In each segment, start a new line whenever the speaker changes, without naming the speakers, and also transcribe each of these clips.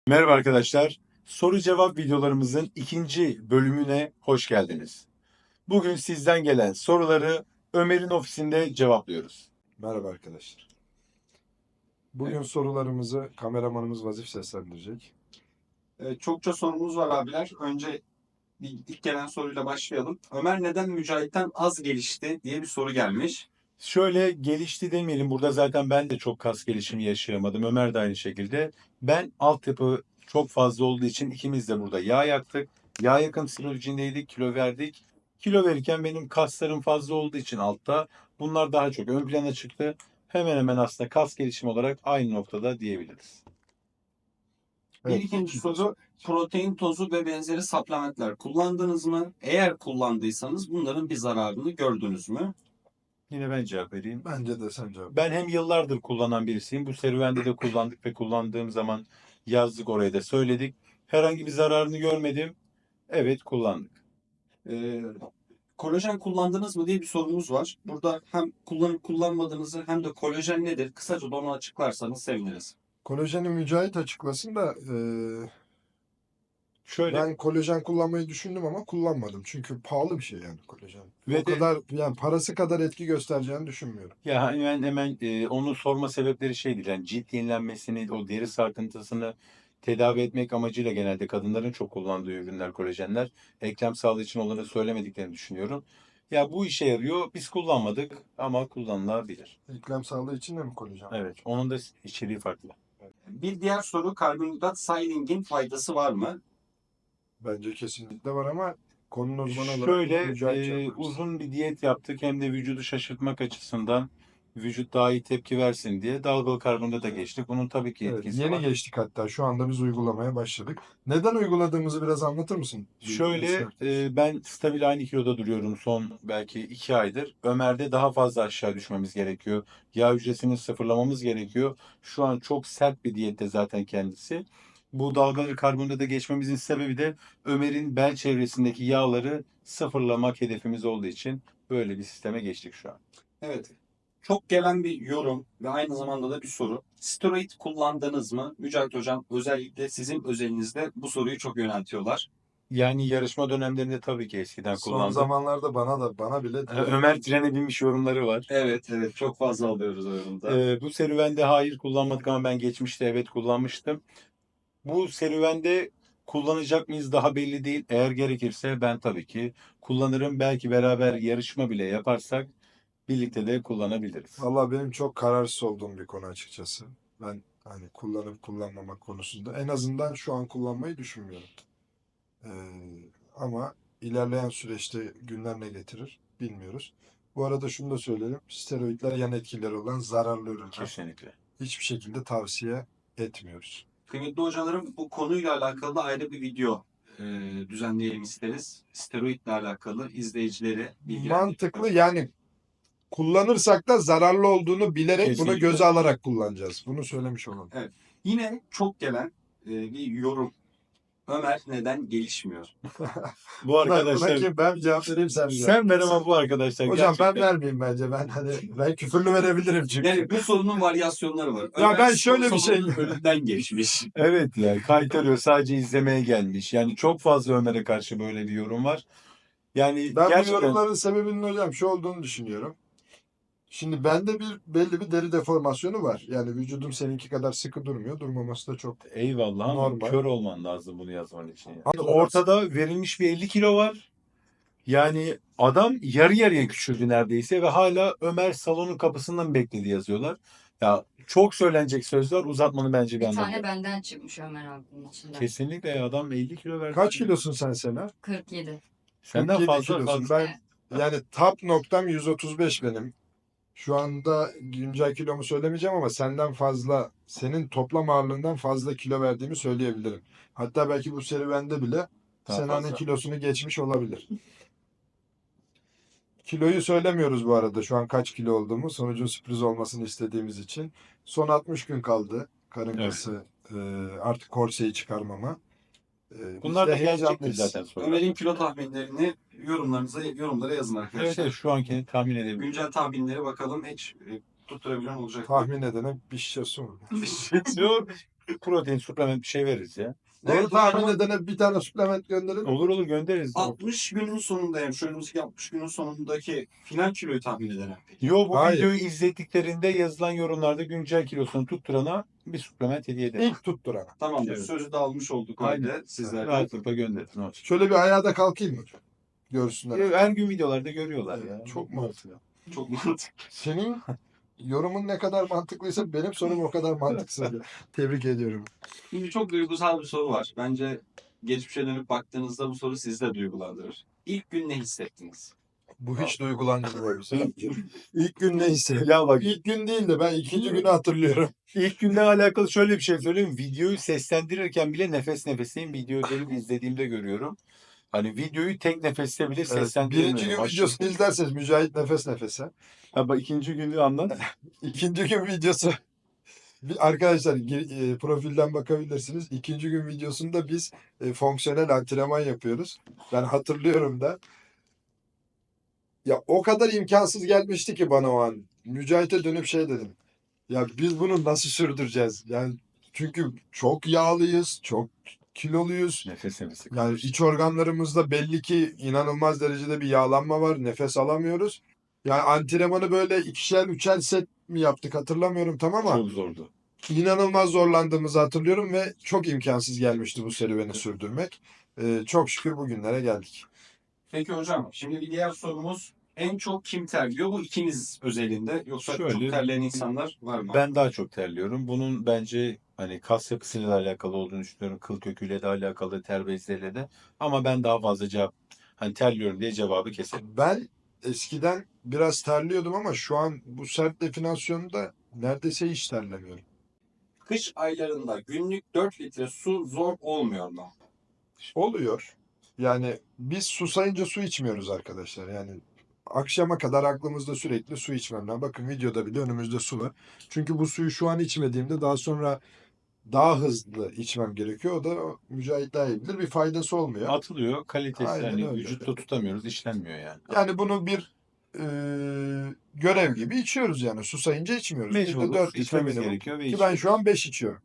Merhaba arkadaşlar. Soru cevap videolarımızın ikinci bölümüne hoş geldiniz. Bugün sizden gelen soruları Ömer'in ofisinde cevaplıyoruz.
Merhaba arkadaşlar. Bugün sorularımızı kameramanımız Vazif seslendirecek.
Çokça sorumuz var abiler. Önce ilk gelen soruyla başlayalım. Ömer neden Mücahit'ten az gelişti diye bir soru gelmiş.
Şöyle gelişti demeyelim. Burada zaten ben de çok kas gelişimi yaşayamadım. Ömer de aynı şekilde. Ben altyapı çok fazla olduğu için ikimiz de burada yağ yaktık. Yağ yakım sürecindeydik, kilo verdik. Kilo verirken benim kaslarım fazla olduğu için altta bunlar daha çok ön plana çıktı. Hemen hemen aslında kas gelişimi olarak aynı noktada diyebiliriz.
Bir ikinci soru, protein tozu ve benzeri supplementler kullandınız mı? Eğer kullandıysanız bunların bir zararını gördünüz mü?
Yine ben cevap vereyim.
Bence de sen cevap.
Ben hem yıllardır kullanan birisiyim. Bu serüvende de kullandık ve kullandığım zaman yazdık, oraya da söyledik. Herhangi bir zararını görmedim. Evet, kullandık.
Ee, Kolajen kullandınız mı diye bir sorumuz var. Burada hem kullanıp kullanmadığınızı hem de kolajen nedir? Kısaca da onu açıklarsanız seviniriz.
Kolajeni Mücahit açıklasın da
Şöyle
ben kolajen kullanmayı düşündüm ama kullanmadım. Çünkü pahalı bir şey yani kolajen.
Ve
O kadar yani parası kadar etki göstereceğini düşünmüyorum.
ya hemen onu sorma sebepleri şeydir. Yani cilt yenilenmesini, o deri sarkıntısını tedavi etmek amacıyla genelde kadınların çok kullandığı ürünler, kolajenler. Eklem sağlığı için onları söylemediklerini düşünüyorum. Ya bu işe yarıyor. Biz kullanmadık ama kullanılabilir.
Eklem sağlığı için de mi kolajen?
Evet, onun da içeriği farklı.
Bir diğer soru, karbonhidrat silingin faydası var mı?
Bence kesinlikle var ama konunun uzmanı olarak
Şöyle
Mücahit cevap versin.
uzun bir diyet yaptık, hem de vücudu şaşırtmak açısından vücut daha iyi tepki versin diye dalgalı karbonhidrata geçtik. Bunun tabii ki
Evet,
etkisi
yeni
var.
geçtik hatta. Şu anda biz uygulamaya başladık. Neden uyguladığımızı biraz anlatır mısın?
Şöyle ben stabil aynı kiloda duruyorum son belki 2 aydır. Ömer'de daha fazla aşağı düşmemiz gerekiyor. Yağ hücresini sıfırlamamız gerekiyor. Şu an çok sert bir diyette zaten kendisi. Bu dalgalı karbonhidrata geçmemizin sebebi de Ömer'in bel çevresindeki yağları sıfırlamak hedefimiz olduğu için böyle bir sisteme geçtik şu an.
Evet. Çok gelen bir yorum ve aynı zamanda da bir soru. Steroid kullandınız mı? Mücahit Hocam özellikle sizin özelinizde bu soruyu çok yöneltiyorlar.
Yani yarışma dönemlerinde tabii ki eskiden
Son
kullandım.
zamanlarda bana bile
Ömer trene binmiş yorumları var.
Evet çok fazla alıyoruz o yorumda.
Bu serüvende hayır kullanmadık ama ben geçmişte evet kullanmıştım. Bu serüvende kullanacak mıyız daha belli değil. Eğer gerekirse ben tabii ki kullanırım. Belki beraber yarışma bile yaparsak birlikte de kullanabiliriz.
Valla benim çok kararsız olduğum bir konu açıkçası. Ben hani kullanıp kullanmamak konusunda en azından şu an kullanmayı düşünmüyorum. Ee, ama ilerleyen süreçte günler ne getirir bilmiyoruz. Bu arada şunu da söyleyelim. Steroidler yan etkileri olan zararlı ürünler.
Kesinlikle.
Hiçbir şekilde tavsiye etmiyoruz.
Kıymetli hocalarım, bu konuyla alakalı da ayrı bir video düzenleyelim isteriz. Steroidle alakalı izleyicileri bilgilendirelim.
Mantıklı yani kullanırsak da zararlı olduğunu bilerek buna
Kesinlikle.
göze alarak kullanacağız. Bunu söylemiş olalım.
Yine çok gelen bir yorum. Ömer neden gelişmiyor?
Bu arkadaşlar
Buna ben cevap vereyim sen mi?
sen ver ama bu arkadaşlar
Hocam ben
gerçekten.
vermeyeyim bence. Ben küfürlü verebilirim çünkü.
Yani bu sorunun varyasyonları var.
Ya
Ömer
ben şöyle bir şey-
sorunun önünden geçmiş.
Evet ya, kaytarıyor, sadece izlemeye gelmiş. Yani çok fazla Ömer'e karşı böyle bir yorum var. Yani
Ben bu
gerçekten
yorumların sebebinin hocam şu olduğunu düşünüyorum. Şimdi bende belli bir deri deformasyonu var. Yani vücudum seninki kadar sıkı durmuyor. Durmaması da çok
eyvallah ama
normal.
kör olman lazım bunu yazman için. Yani.
Ama
Ortada verilmiş bir 50 kilo var. Yani adam yarı yarıya küçüldü neredeyse ve hala Ömer salonun kapısından bekledi yazıyorlar. Ya çok söylenecek sözler, uzatmanın bence bir
Bir
anlamı
tane
yok.
benden çıkmış Ömer abinin içinden.
Kesinlikle ya, adam 50 kilo verdi.
Kaç kilosun sen Sena?
47.
Senden
47
fazla
kilosun.
fazla.
Ben yani top noktam 135 benim. Şu anda güncel kilomu söylemeyeceğim ama senden fazla, senin toplam ağırlığından fazla kilo verdiğimi söyleyebilirim. Hatta belki bu serüvende bile
Daha
Sena'nın
fazla.
kilosunu geçmiş olabilir. Kiloyu söylemiyoruz bu arada şu an kaç kilo olduğumu. Sonucun sürpriz olmasını istediğimiz için. Son 60 gün kaldı karın
Evet.
kası artık korseyi çıkarmama. Biz
Bunlar
de
da gelecektir
heyecanlıyız.
zaten sonra.
Ömer'in kilo tahminlerini yorumlara yazın
Evet,
arkadaşlar.
evet, şu anki tahmin edebilirim.
Güncel tahminleri bakalım hiç tutturabilen olacak mı?
Tahmin edene bir şişe su.
Yok. protein, suplement bir şey veririz ya.
Doğru
Evet,
tahmin
hocam.
edene bir tane suplement gönderin.
Olur göndeririz.
60 günün sonunda yani şu önümüzdeki 60 günün sonundaki final kiloyu tahmin eden peki.
Yo, bu
Hayır.
videoyu izlediklerinde yazılan yorumlarda güncel kilosunu tutturana bir suplement hediye ederiz.
İlk tutturana.
Tamamdır.
Evet.
Sözü de almış olduk
Aynen.
halde sizlerden.
Rahatlıkla gönderin. Ne olacak?
Şöyle bir ayağa da kalkayım mı? Görsünler.
Her gün videolarda görüyorlar ya.
Çok mantıklı.
Çok mantıklı.
Senin yorumun ne kadar mantıklıysa benim sorum o kadar mantıksız. Tebrik ediyorum.
Şimdi çok duygusal bir soru var. Bence geçmişe dönüp baktığınızda bu soru sizi de duygulandırır. İlk gün ne hissettiniz?
Bu hiç duygulandırmıyor bizi. İlk gün neyse.
Ya bak,
İlk gün değil de ben ikinci günü hatırlıyorum.
İlk günden alakalı şöyle bir şey söyleyeyim. Videoyu seslendirirken bile nefes nefeseyim. Videoyu benim izlediğimde görüyorum. Hani videoyu tek nefeste bile
Evet,
seslendiremiyorum.
birinci gün
Aşırı-
videosunu izlerseniz Mücahit nefes nefese.
Ha, bak, ikinci günü anlat.
İkinci gün videosu. Arkadaşlar profilden bakabilirsiniz. İkinci gün videosunda biz fonksiyonel antrenman yapıyoruz. Ben hatırlıyorum da. Ya o kadar imkansız gelmişti ki bana o an. Mücahit'e dönüp şey dedim. Ya biz bunu nasıl sürdüreceğiz? Yani çünkü çok yağlıyız, çok kiloluyuz.
Nefes nefese.
Yani iç organlarımızda belli ki inanılmaz derecede bir yağlanma var. Nefes alamıyoruz. Yani antrenmanı böyle ikişer üçer set mi yaptık hatırlamıyorum tam ama
Çok zordu.
inanılmaz zorlandığımızı hatırlıyorum ve çok imkansız gelmişti bu serüveni sürdürmek. Çok şükür bugünlere geldik.
Peki hocam, şimdi bir diğer sorumuz en çok kim terliyor? Bu ikiniz özelinde. Yoksa çok
Şöyle,
terleyen insanlar var mı?
Ben daha çok terliyorum. Bunun bence hani kas yapısıyla da alakalı olduğunu düşünüyorum. Kıl köküyle de alakalı, ter bezleriyle de. Ama ben daha fazla hani terliyorum diye cevabı keserim.
Ben eskiden biraz terliyordum ama şu an bu sert definasyonda neredeyse hiç terlemiyorum.
Kış aylarında günlük 4 litre su zor olmuyor mu?
Oluyor. Yani biz susayınca su içmiyoruz arkadaşlar. Yani akşama kadar aklımızda sürekli su içmem lazım. Bakın videoda bile önümüzde su var. Çünkü bu suyu şu an içmediğimde daha sonra daha hızlı içmem gerekiyor. O da Mücahit daha iyi bilir. Bir faydası olmuyor.
Atılıyor, kalitesi
Aynen
hani
öyle.
vücutta tutamıyoruz, işlenmiyor yani.
Yani bunu bir görev gibi içiyoruz yani. Susayınca içmiyoruz. Günde
Mecburuz,
4 litre
içmemiz
minimum.
gerekiyor ve
Ki ben şu an 5 içiyorum.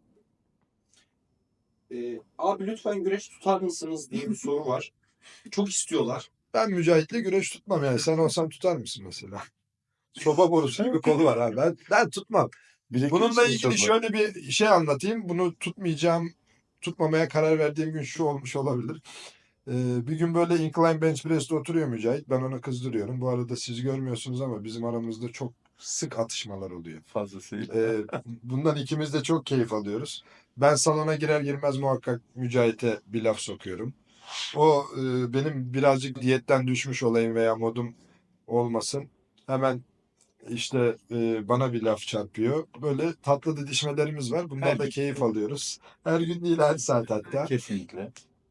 Abi lütfen güreş tutar mısınız diye bir soru var. Çok istiyorlar.
Ben Mücahit'le güreş tutmam yani. Sen olsan tutar mısın mesela? Soba borusu gibi kolu var ha. Ben tutmam. Bununla ilgili şöyle bir şey anlatayım. Bunu tutmamaya karar verdiğim gün şu olmuş olabilir. Bir gün böyle incline bench press'te oturuyor Mücahit. Ben onu kızdırıyorum. Bu arada siz görmüyorsunuz ama bizim aramızda çok sık atışmalar oluyor.
fazlasıyla.
Bundan ikimiz de çok keyif alıyoruz. Ben salona girer girmez muhakkak Mücahit'e bir laf sokuyorum. O benim birazcık diyetten düşmüş olayım veya modum olmasın. Hemen işte bana bir laf çarpıyor. Böyle tatlı didişmelerimiz var. Bundan
Her
da
gün.
keyif alıyoruz. Her gün değil her saat hatta.
Kesinlikle.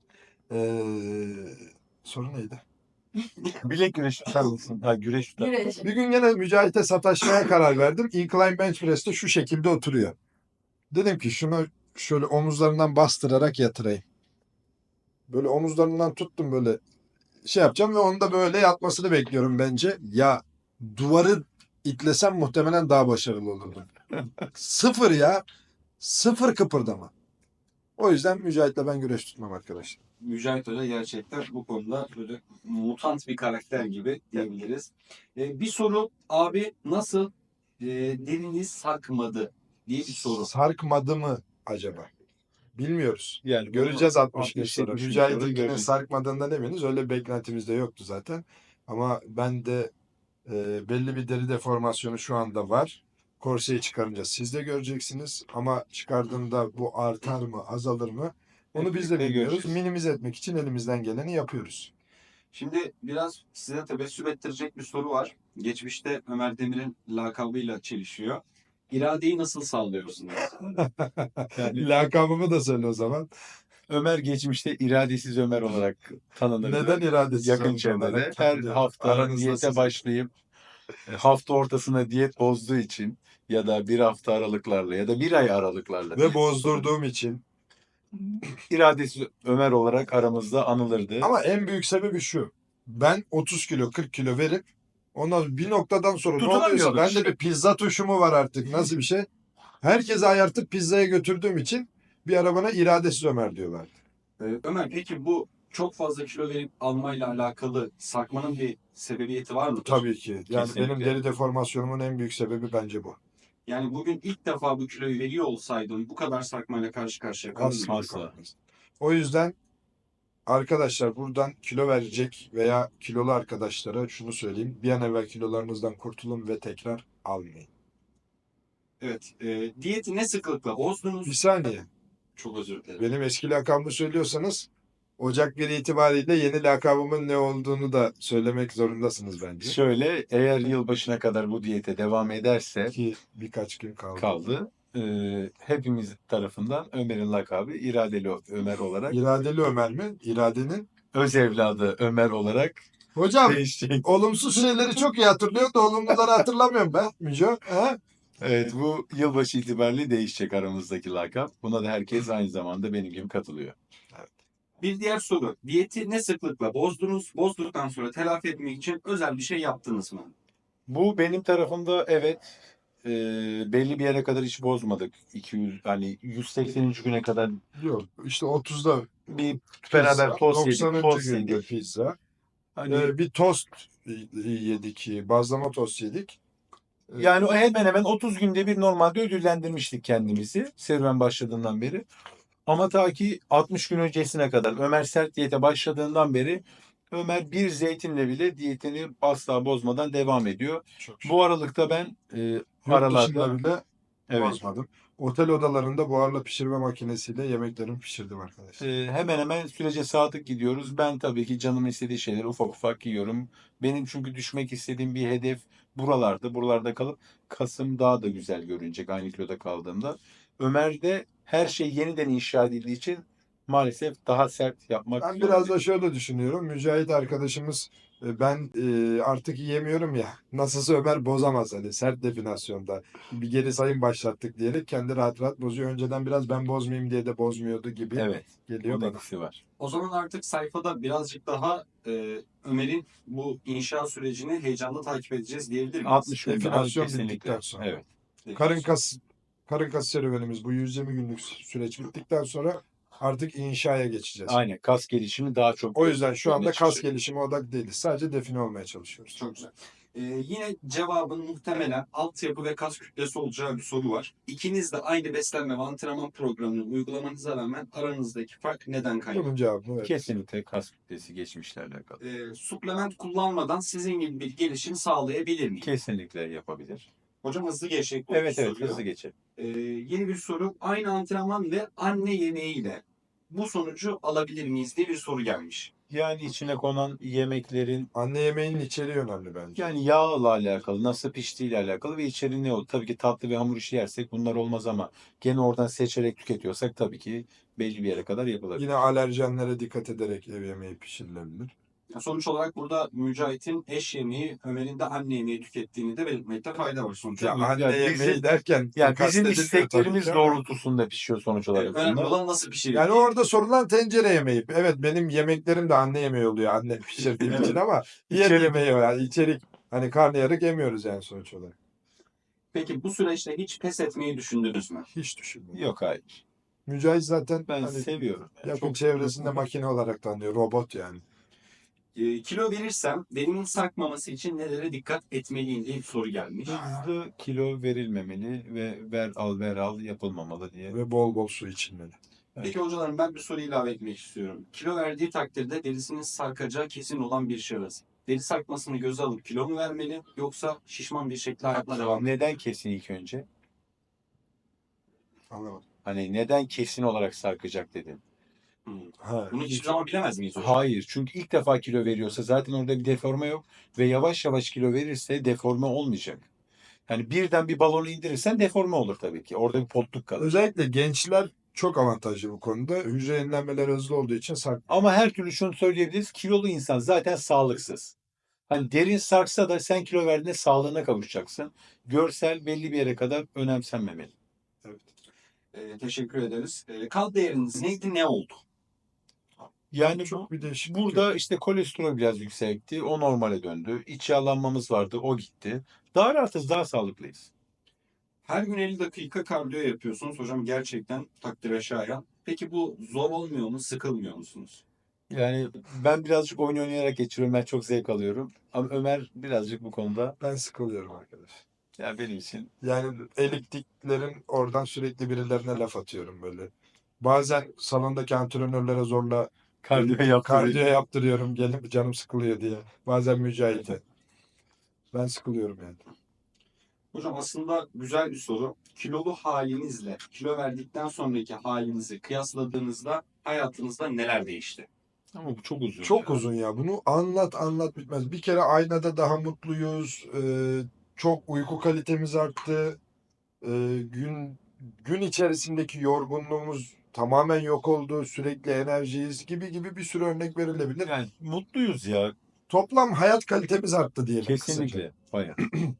Soru neydi?
Bilek güreşi tutar mısın? Ha, güreş tutar.
Güreş.
Bir gün gene Mücahit'e sataşmaya karar verdim. Incline bench press'te şu şekilde oturuyor. Dedim ki şunu şöyle omuzlarından bastırarak yatırayım. Böyle omuzlarından tuttum böyle şey yapacağım ve onu da böyle yatmasını bekliyorum bence. Ya duvarı itlesem muhtemelen daha başarılı olurdum. Sıfır ya. Sıfır kıpırdama. O yüzden Mücahit'le ben güreş tutmam arkadaşlar.
Mücahit Hoca gerçekten bu konuda böyle mutant bir karakter gibi diyebiliriz. Bir soru abi nasıl deriniz sarkmadı diye bir soru.
Sarkmadı mı acaba? Bilmiyoruz.
Yani
Göreceğiz 60 gün
60-70
sonra.
gün sonra
Mücahit'inkinin
göreceğiz.
sarkmadığından eminiz. Öyle bir beklentimiz de yoktu zaten. Ama ben de belli bir deri deformasyonu şu anda var. Korseyi çıkarınca siz de göreceksiniz. Ama çıkardığında bu artar mı, azalır mı? Onu biz de
Hep birlikte
bilmiyoruz.
göreceğiz.
Minimize etmek için elimizden geleni yapıyoruz.
Şimdi biraz size tebessüm ettirecek bir soru var. Geçmişte Ömer Demir'in lakabıyla çelişiyor. İradeyi nasıl sağlıyorsunuz?
Yani
Lakabımı da söyle o zaman.
Ömer geçmişte iradesiz Ömer olarak tanınırdı.
Neden iradesiz
Yakın
olmuş
çevrede.
olarak
Her
tanınıyor?
hafta
Aranızda
diyete
siz.
başlayıp hafta ortasına diyet bozduğu için ya da bir hafta aralıklarla ya da bir ay aralıklarla
Ve bozdurduğum için.
iradesiz Ömer olarak aramızda anılırdı.
Ama en büyük sebebi şu. Ben 30 kilo 40 kilo verip ondan bir noktadan sonra ne oluyorsa
Tutunamıyorduk
bende
işte.
bir pizza tuşu mu var artık nasıl bir şey? Herkese ayartıp pizzaya götürdüğüm için Bir ara bana iradesiz Ömer diyorlardı.
Ömer, peki bu çok fazla kilo verip almayla alakalı sarkmanın bir sebebiyeti var mıdır?
Tabii ki. Yani
Kesinlikle.
benim deri deformasyonumun en büyük sebebi bence bu.
Yani bugün ilk defa bu kiloyu veriyor olsaydın bu kadar sarkmayla karşı karşıya kalır mıydın?
Asla
Asla.
kalmaz. O yüzden arkadaşlar buradan kilo verecek veya kilolu arkadaşlara şunu söyleyeyim. Bir an evvel kilolarınızdan kurtulun ve tekrar almayın.
Evet. Diyeti ne sıklıkla
Bir
bozdunuz?
saniye.
Çok özür dilerim.
Benim eski lakabımı söylüyorsanız Ocak 1 itibariyle yeni lakabımın ne olduğunu da söylemek zorundasınız bence.
Şöyle, eğer yılbaşına kadar bu diyete devam ederse
Ki birkaç gün kaldı.
kaldı. Hepimiz tarafından Ömer'in lakabı İradeli Ömer olarak,
İradeli Ömer mi? İradenin.
öz evladı Ömer olarak
Hocam
değişecek.
olumsuz şeyleri çok iyi hatırlıyor da olumluları hatırlamıyorum ben. Müco. He?
Evet, bu yılbaşı itibariyle değişecek aramızdaki lakap. Buna da herkes aynı zamanda benim gibi katılıyor.
Bir diğer soru. Diyeti ne sıklıkla bozdunuz? Bozduktan sonra telafi etmek için özel bir şey yaptınız mı?
Bu benim tarafımda evet, belli bir yere kadar hiç bozmadık. 200, hani 180. güne kadar
Yok işte 30'da
bir beraber
pizza,
tost yedik,
90.
tost
günde
yedik.
pizza.
Hani
Bir tost yedik, bazlama tost yedik.
yani o hemen hemen 30 günde bir normalde ödüllendirmiştik kendimizi serüven başladığından beri. Ama ta ki 60 gün öncesine kadar Ömer sert diyete başladığından beri Ömer bir zeytinle bile diyetini asla bozmadan devam ediyor.
Çok
Bu aralıkta ben
Yurt
aralarda
dışında bile
evet,
bozmadım. Otel odalarında buharla pişirme makinesiyle yemeklerimi pişirdim arkadaşlar.
hemen hemen sürece sadık gidiyoruz. Ben tabii ki canım istediği şeyleri ufak ufak yiyorum. Benim çünkü düşmek istediğim bir hedef buralarda. Buralarda kalıp Kasım daha da güzel görünecek aynı kiloda kaldığımda. Ömer'de her şey yeniden inşa edildiği için maalesef daha sert yapmak
Ben biraz
zorundayım.
da şöyle düşünüyorum. Mücahit arkadaşımız ben artık yiyemiyorum ya. Nasılsa Ömer bozamaz hani sert definasyonda. Bir geri sayım başlattık diyerek kendi rahat rahat bozuyor. Önceden biraz ben bozmayayım diye de bozmuyordu gibi
Evet,
geliyor
bunun
bana.
etkisi var.
O zaman artık sayfada birazcık daha Ömer'in bu inşa sürecini heyecanla takip edeceğiz diyebilir miyiz?
60 gün sonra
Definasyon
kesinlikle.
bittikten sonra.
Evet.
Karın kas serüvenimiz bu 120 günlük süreç bittikten sonra artık inşaya geçeceğiz.
Aynen, kas gelişimi daha çok
O yüzden şu anda
öne
kas
çıkacak.
gelişimi odak değiliz. Sadece define olmaya çalışıyoruz.
Çok güzel. Yine cevabın muhtemelen altyapı ve kas kütlesi olacağı bir soru var. İkiniz de aynı beslenme ve antrenman programını uygulamanıza rağmen aranızdaki fark neden kaynaklı?
Bunun cevabı evet.
Kesinlikle kas kütlesi geçmişle alakalı.
Suplement kullanmadan sizin gibi bir gelişim sağlayabilir miyim?
Kesinlikle yapabilir.
Hocam hızlı geçecek bu
Evet,
soruyu.
hızlı geçelim.
Yeni bir soru. Aynı antrenman ve anne yemeğiyle bu sonucu alabilir miyiz diye bir soru gelmiş.
Yani içine konan yemeklerin
Anne yemeğinin içeriği önemli bence.
yani yağla alakalı, nasıl piştiğiyle alakalı ve içeriği ne olur. Tabii ki tatlı ve hamur işi yersek bunlar olmaz ama gene oradan seçerek tüketiyorsak tabii ki belli bir yere kadar yapılabilir.
Yine alerjenlere dikkat ederek ev yemeği pişirilebilir.
Sonuç olarak burada Mücahit'in eş yemeği, Ömer'in de anne yemeği tükettiğini de belirtmekte fayda var sonuç
Ya
olarak.
anne yemeği derken
Yani bizim
kastedilmiyor
isteklerimiz
tabii ki ama
doğrultusunda pişiyor sonuç olarak
Önemli
bunlar.
olan nasıl pişiriyor.
yani orada sorulan tencere yemeği. Evet benim yemeklerim de anne yemeği oluyor anne pişirdiğim için ama diğer
İçerik.
yemeği o yani içerik. Hani karnıyarık yemiyoruz yani sonuç olarak.
Peki bu süreçte hiç pes etmeyi düşündünüz mü?
Hiç düşünmüyorum.
Yok, hayır.
Mücahit zaten
Ben
hani
seviyorum. Yani
yakın
çok
çevresinde makine olarak tanıyor. Robot yani.
Kilo verirsem derimin sarkmaması için nelere dikkat etmeliyim diye bir soru gelmiş.
hızlı kilo verilmemeli ve ver al yapılmamalı diye.
Ve bol bol su içilmeli.
Peki hocalarım, ben bir soru ilave etmek istiyorum. Kilo verdiği takdirde derisinin sarkacağı kesin olan bir şahıs. Deri sarkmasını göze alıp kilo mu vermeli yoksa şişman bir şekilde hayatına devam mı?
Neden kesin ilk önce?
Anlamadım.
Hani neden kesin olarak sarkacak dedin?
Ha,
Bunu hiçbir zaman bilemez miyiz hocam?
Hayır. Çünkü ilk defa kilo veriyorsa zaten orada bir deforme yok ve yavaş yavaş kilo verirse deforme olmayacak. Yani birden bir balonu indirirsen deforme olur tabii ki. Orada bir potluk kalır.
özellikle gençler çok avantajlı bu konuda. Hücre yenilenmeleri hızlı olduğu için
Ama her türlü şunu söyleyebiliriz. Kilolu insan zaten sağlıksız. Hani derin sarksa da sen kilo verdiğinde sağlığına kavuşacaksın. Görsel belli bir yere kadar önemsenmemeli.
Evet.
Teşekkür ederiz. Kan değeriniz neydi, ne oldu?
Yani
Çok bir değişiklik
burada
yok.
işte kolesterol biraz yüksekti. O normale döndü. İç yağlanmamız vardı. O gitti. Daha rahatız, daha sağlıklıyız.
Her gün 50 dakika kardiyo yapıyorsunuz. Hocam gerçekten takdire şayan. Peki bu zor olmuyor mu? Sıkılmıyor musunuz?
Yani ben birazcık oyun oynayarak geçiriyorum. Ben çok zevk alıyorum. Ama Ömer birazcık bu konuda
Ben sıkılıyorum arkadaş.
ya benim için
Yani eliptiklerin oradan sürekli birilerine laf atıyorum böyle. Bazen salondaki antrenörlere zorla
kardiyo
kardiyo
yaptırıyor.
yaptırıyorum. Gelip canım sıkılıyor diye. Bazen Mücahit'e. Ben sıkılıyorum yani.
Hocam aslında güzel bir soru. Kilolu halinizle kilo verdikten sonraki halinizi kıyasladığınızda hayatınızda neler değişti?
Ama bu çok uzun
Çok
ya.
uzun ya. Bunu anlat bitmez. Bir kere aynada daha mutluyuz. Çok uyku kalitemiz arttı. Gün içerisindeki yorgunluğumuz tamamen yok oldu. Sürekli enerjiyiz gibi bir sürü örnek verilebilir.
Yani mutluyuz ya.
Toplam hayat kalitemiz arttı diyelim kısaca.
Kesinlikle. Bayağı.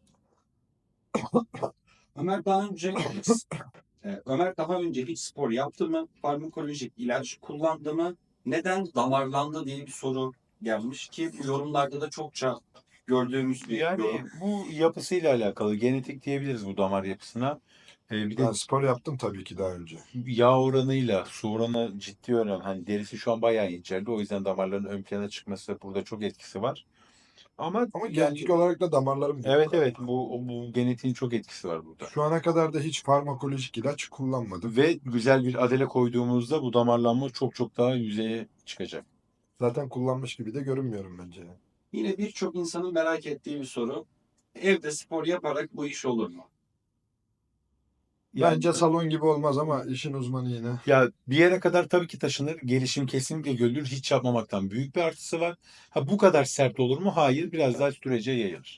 Ömer daha önce Ömer daha önce hiç spor yaptı mı? Farmakolojik ilaç kullandı mı? Neden damarlandı diye bir soru gelmiş ki bu yorumlarda da çokça gördüğümüz bir
Yani
yorum.
bu yapısıyla alakalı. Genetik diyebiliriz bu damar yapısına. Bir de
Ben spor yaptım tabii ki daha önce.
yağ oranıyla su oranı ciddi oran. Hani derisi şu an bayağı inceldi. O yüzden damarların ön plana çıkması burada çok etkisi var. Ama
Ama
yani
genetik olarak da damarlarım büyük.
evet bu genetiğin çok etkisi var burada.
Şu ana kadar da hiç farmakolojik ilaç kullanmadım.
Ve güzel bir adele koyduğumuzda bu damarlanma çok daha yüzeye çıkacak.
Zaten kullanmış gibi de görünmüyorum bence.
Yine birçok insanın merak ettiği bir soru. Evde spor yaparak bu iş olur mu?
Yani
Bence salon gibi olmaz ama işin uzmanı yine.
ya bir yere kadar tabii ki taşınır. Gelişim kesinlikle görülür. Hiç yapmamaktan büyük bir artısı var. Ha bu kadar sert olur mu? Hayır. Biraz daha sürece yayılır.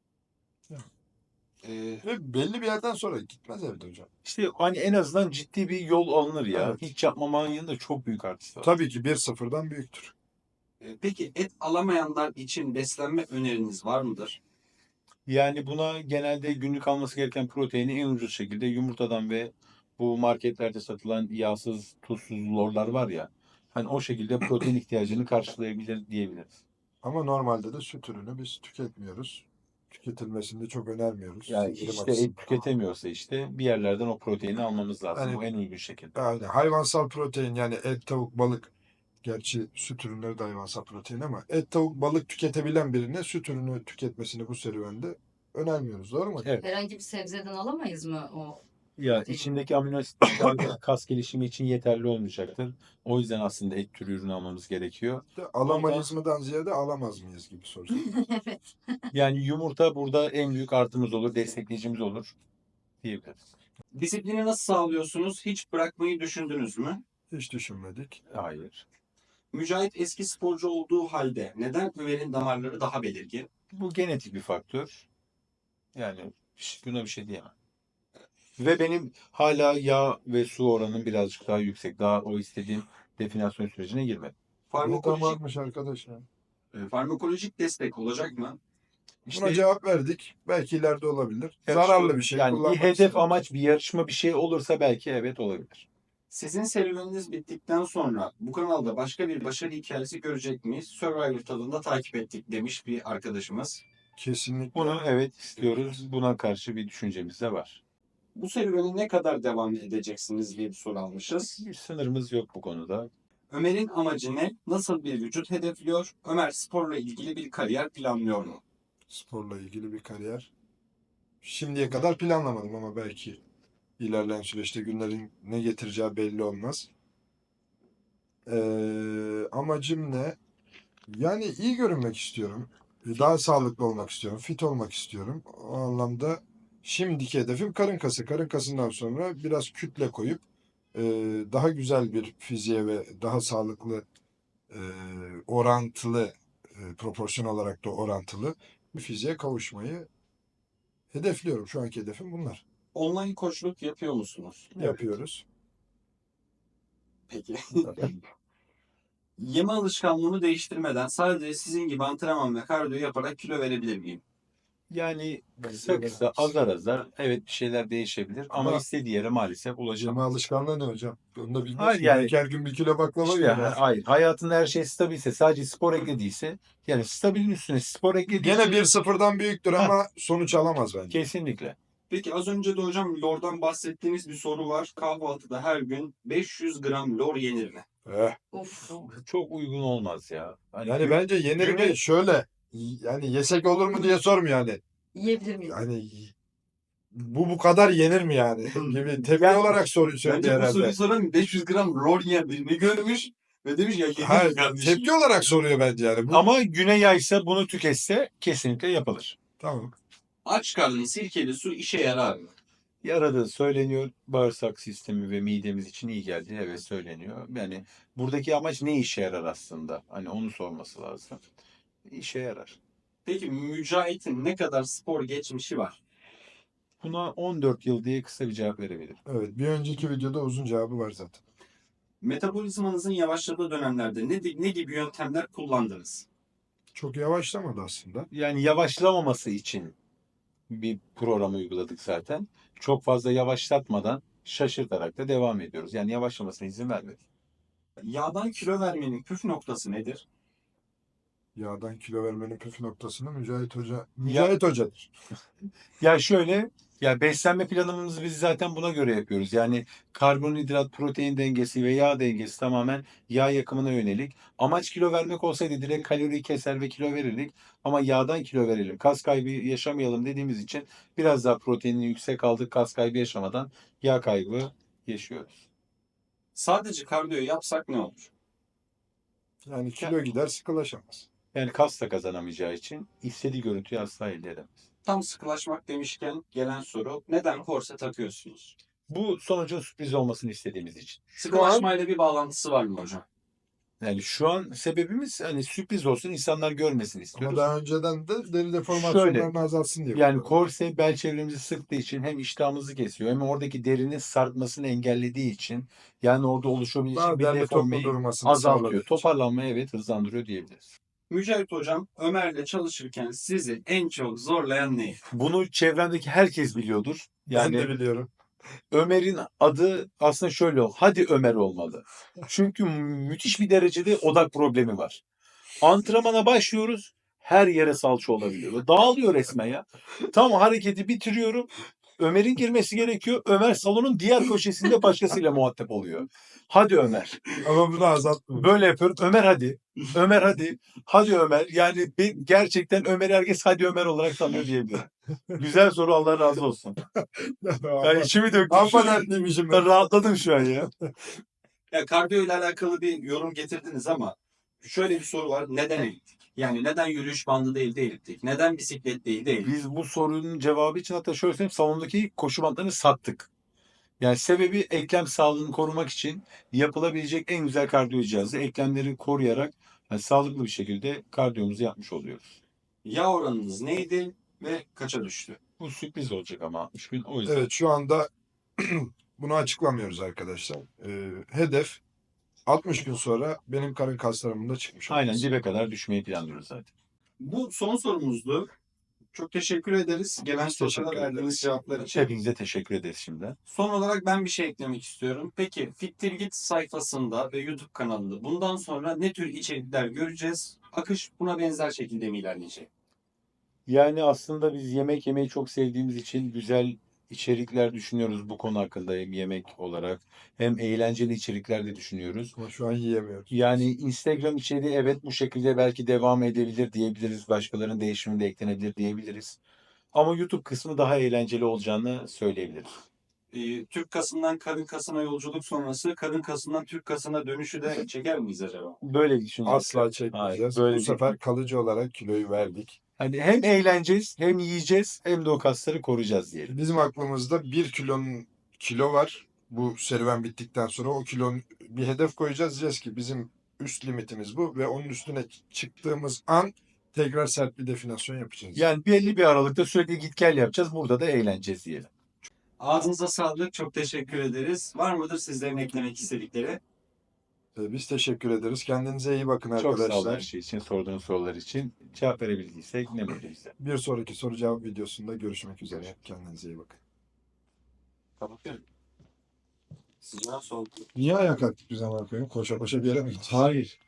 Ve belli bir yerden sonra gitmez evde hocam.
İşte hani en azından ciddi bir yol alınır ya.
Evet.
Hiç yapmamanın yanında çok büyük artısı var.
Tabii ki 1-0'dan büyüktür.
Peki et alamayanlar için beslenme öneriniz var mıdır?
Yani buna genelde günlük alması gereken proteini en ucuz şekilde yumurtadan ve bu marketlerde satılan yağsız, tuzsuz lorlar var ya. Hani o şekilde protein ihtiyacını karşılayabilir diyebiliriz.
Ama normalde de süt ürünü biz tüketmiyoruz. Tüketilmesini de çok önermiyoruz.
Yani
Sindirim
işte et
açısından.
tüketemiyorsa işte bir yerlerden o proteini almamız lazım.
Yani-
Bu en uygun şekilde.
Yani hayvansal protein yani et, tavuk, balık. Gerçi süt ürünleri de hayvansal protein ama et, tavuk, balık tüketebilen birine süt ürünü tüketmesini bu serüvende önermiyoruz. Doğru mu?
Evet.
Herhangi bir sebzeden alamayız mı o?
Ya içindeki amino asitler kas gelişimi için yeterli olmayacaktır. O yüzden aslında et türü ürün almamız gerekiyor.
De alamayız mıdan ziyade alamaz mıyız gibi soru.
Evet.
Yani yumurta burada en büyük artımız olur, destekleyicimiz olur diyebiliriz.
Disiplini nasıl sağlıyorsunuz? Hiç bırakmayı düşündünüz mü?
Hiç düşünmedik.
Hayır.
Mücahit eski sporcu olduğu halde neden Ömer'in damarları daha belirgin?
Bu genetik bir faktör. Yani buna bir şey diyemem. Ve benim hala yağ ve su oranım birazcık daha yüksek. Daha o istediğim definasyon sürecine girmedim.
Ne
Farmakolojik,
damarmış arkadaş ya.
farmakolojik destek olacak mı?
Buna
İşte
cevap verdik. Belki ileride olabilir.
yarışma-
Zararlı bir şey.
Yani bir
kullanmak
hedef,
istemiyoruz.
amaç, bir yarışma, bir şey olursa belki evet olabilir.
Sizin serüveniniz bittikten sonra bu kanalda başka bir başarı hikayesi görecek miyiz? Survivor tadında takip ettik demiş bir arkadaşımız.
Kesinlikle.
Bunu evet istiyoruz. Buna karşı bir düşüncemiz de var.
Bu serüveni ne kadar devam edeceksiniz diye bir soru almışız.
Bir sınırımız yok bu konuda.
Ömer'in amacı ne? Nasıl bir vücut hedefliyor? Ömer sporla ilgili bir kariyer planlıyor mu?
Sporla ilgili bir kariyer. Şimdiye kadar planlamadım ama belki ilerleyen süreçte günlerin ne getireceği belli olmaz. Amacım ne? Yani iyi görünmek istiyorum. Daha sağlıklı olmak istiyorum. Fit olmak istiyorum. O anlamda şimdiki hedefim karın kası. Karın kasından sonra biraz kütle koyup daha güzel bir fiziğe ve daha sağlıklı orantılı proporsiyon olarak da orantılı bir fiziğe kavuşmayı hedefliyorum. Şu anki hedefim bunlar.
Online koçluk yapıyor musunuz?
Evet.
Yapıyoruz.
Peki. Yeme alışkanlığımı değiştirmeden sadece sizin gibi antrenman ve kardiyo yaparak kilo verebilir miyim?
Yani kısa azar azar evet bir şeyler değişebilir ama
Ama-
istediği yere maalesef
Yeme
ulaşamaz.
alışkanlığı ne hocam? Onu da bilmiyorsun.
Hayır, yani-
Belki her gün bir kilo baklava
İşte,
yiyor ya.
hayır. Hayatında her şey stabilse, sadece spor eklediyse, yani stabilin üstüne spor eklediyse
Gene 1-0'dan büyüktür ama sonuç alamaz bence.
kesinlikle.
Peki az önce de hocam lordan bahsettiğiniz bir soru var. Kahvaltıda her gün 500 gram lor yenir mi?
Of.
Çok uygun olmaz ya. Hani
Yani bence yenir
güne-
mi? Şöyle yani yesek olur mu diye sormuyor yani.
Yiyebilir miyim?
Yani bu kadar yenir mi yani? Gibi tepki
Yani-
olarak söyledi
Bence bu
herhalde.
soruyu soran 500 gram lor yiyen birini görmüş ve demiş ya
Ha,
yedim kardeşim.
tepki olarak soruyor bence yani. Bu,
ama güne yaysa bunu tüketse kesinlikle yapılır.
tamam.
Aç karnın sirkeli su işe yarar mı?
Yaradığı söyleniyor. Bağırsak sistemi ve midemiz için iyi geldi. Evet söyleniyor. Yani buradaki amaç ne işe yarar aslında? Hani onu sorması lazım. İşe yarar.
Peki Mücahit'in ne kadar spor geçmişi var?
Buna 14 yıl diye kısa bir cevap verebilirim.
Evet, bir önceki videoda uzun cevabı var zaten.
Metabolizmanızın yavaşladığı dönemlerde ne gibi yöntemler kullandınız?
Çok yavaşlamadı aslında.
Yani yavaşlamaması için bir program uyguladık zaten. Çok fazla yavaşlatmadan şaşırtarak da devam ediyoruz. Yani yavaşlamasına izin vermedik.
Yağdan kilo vermenin püf noktası nedir?
Yağdan kilo vermenin püf noktasını Mücahit Hoca'dır.
Ya şöyle, ya beslenme planımızı biz zaten buna göre yapıyoruz. Yani karbonhidrat, protein dengesi ve yağ dengesi tamamen yağ yakımına yönelik. Amaç kilo vermek olsaydı direkt kaloriyi keser ve kilo verirdik. Ama yağdan kilo verelim, kas kaybı yaşamayalım dediğimiz için biraz daha proteinini yüksek aldık, kas kaybı yaşamadan yağ kaybı yaşıyoruz.
Sadece kardiyo yapsak ne olur?
Yani kilo gider sıkılaşamaz.
Yani kas da kazanamayacağı için istediği görüntüyü asla elde edemez.
Tam sıkılaşmak demişken gelen soru neden korse takıyorsunuz?
Bu sonucun sürpriz olmasını istediğimiz için.
Sıkılaşmayla bir bağlantısı var mı hocam?
Yani şu an sebebimiz hani sürpriz olsun, insanlar görmesin
Ama
istiyoruz.
daha önceden de deri deformasyonlarını azaltsın diye.
Yani
kullanıyor.
korse bel çevremizi sıktığı için hem iştahımızı kesiyor hem oradaki derinin sarkmasını engellediği için yani orada oluşabilecek
Daha
bir
derli toplu
deformeyi
durmasını
azaltıyor.
sağladığı için.
Toparlanmayı evet hızlandırıyor diyebiliriz.
Mücahit hocam Ömer'le çalışırken sizi en çok zorlayan ne?
Bunu çevremdeki herkes biliyordur.
Ben de
Yani
biliyorum.
Ömer'in adı aslında şöyle hadi Ömer olmalı. Çünkü müthiş bir derecede odak problemi var. Antrenmana başlıyoruz. Her yere salça olabiliyor. Ve dağılıyor resmen ya. Tam hareketi bitiriyorum. Ömer'in girmesi gerekiyor. Ömer salonun diğer köşesinde başkasıyla muhatap oluyor. Hadi Ömer.
Ama bunu azaltmıyor.
Böyle yapıyorum. Ömer hadi. Ömer hadi. Hadi Ömer. Yani gerçekten Ömer herkes hadi Ömer olarak tanıyor diyebilirim. Güzel soru, Allah razı olsun. Yani içimi döktüm.
Amma dertliymişim ben.
Ben rahatladım şu an ya.
Ya kardiyo ile alakalı bir yorum getirdiniz ama şöyle bir soru var. Neden eliptik? Yani neden yürüyüş bandı değil de eliptik? Neden bisiklet değil de eliptik?
Biz bu sorunun cevabı için hatta şöyle söyleyeyim, salondaki koşu bantlarını sattık. Yani sebebi eklem sağlığını korumak için yapılabilecek en güzel kardiyo cihazı. Eklemleri koruyarak yani sağlıklı bir şekilde kardiyomuzu yapmış oluyoruz.
Yağ oranınız neydi ve kaça düştü?
Bu sürpriz olacak ama 60 bin o yüzden.
Evet, şu anda bunu açıklamıyoruz arkadaşlar. Hedef 60 gün sonra benim karın kaslarımın da çıkmış
Aynen
olması.
dibe kadar düşmeyi planlıyoruz zaten.
Bu son sorumuzdu. Çok teşekkür ederiz. Gelen
Biz
sorulara
teşekkür
verdiğiniz
ederiz.
cevaplar için.
Hepinize teşekkür ederiz şimdiden.
Son olarak ben bir şey eklemek istiyorum. Peki Fittirgit sayfasında ve YouTube kanalında bundan sonra ne tür içerikler göreceğiz? Akış buna benzer şekilde mi ilerleyecek?
Yani aslında biz yemek yemeyi çok sevdiğimiz için güzel içerikler düşünüyoruz bu konu hakkında, hem yemek olarak hem eğlenceli içerikler de düşünüyoruz.
Ama şu an yiyemiyoruz.
Yani Instagram içeriği evet bu şekilde belki devam edebilir diyebiliriz. Başkalarının değişimi de eklenebilir diyebiliriz. Ama YouTube kısmı daha eğlenceli olacağını söyleyebiliriz.
Türk kasından kadın kasına yolculuk sonrası kadın kasından Türk kasına dönüşü de çeker miyiz acaba?
Böyle bir düşünüyoruz.
Asla çekmeyeceğiz.
Hayır, böyle
Bu
bir-
sefer kalıcı olarak kiloyu verdik.
Hani hem eğleneceğiz, hem yiyeceğiz, hem de o kasları koruyacağız diyelim.
Bizim aklımızda 1 kilo var. Bu serüven bittikten sonra o kilonun bir hedef koyacağız. Diyeceğiz ki bizim üst limitimiz bu ve onun üstüne çıktığımız an tekrar sert bir definasyon yapacağız.
Yani belli bir aralıkta sürekli git gel yapacağız. Burada da eğleneceğiz diyelim.
Ağzınıza sağlık. Çok teşekkür ederiz. Var mıdır sizlerin eklemek istedikleri?
Biz teşekkür ederiz. Kendinize iyi bakın
Çok sağ olun her
arkadaşlar.
şey için, sorduğunuz sorular için. Cevap verebildiysek ne mutlu bize.
Bir sonraki soru cevap videosunda görüşmek üzere. Kendinize iyi bakın.
Kapatıyorum. Sıcağı soğuk.
Niye ayağa kalktık biz ama koyun? Koşa koşa bir yere mi gittik?
Hayır.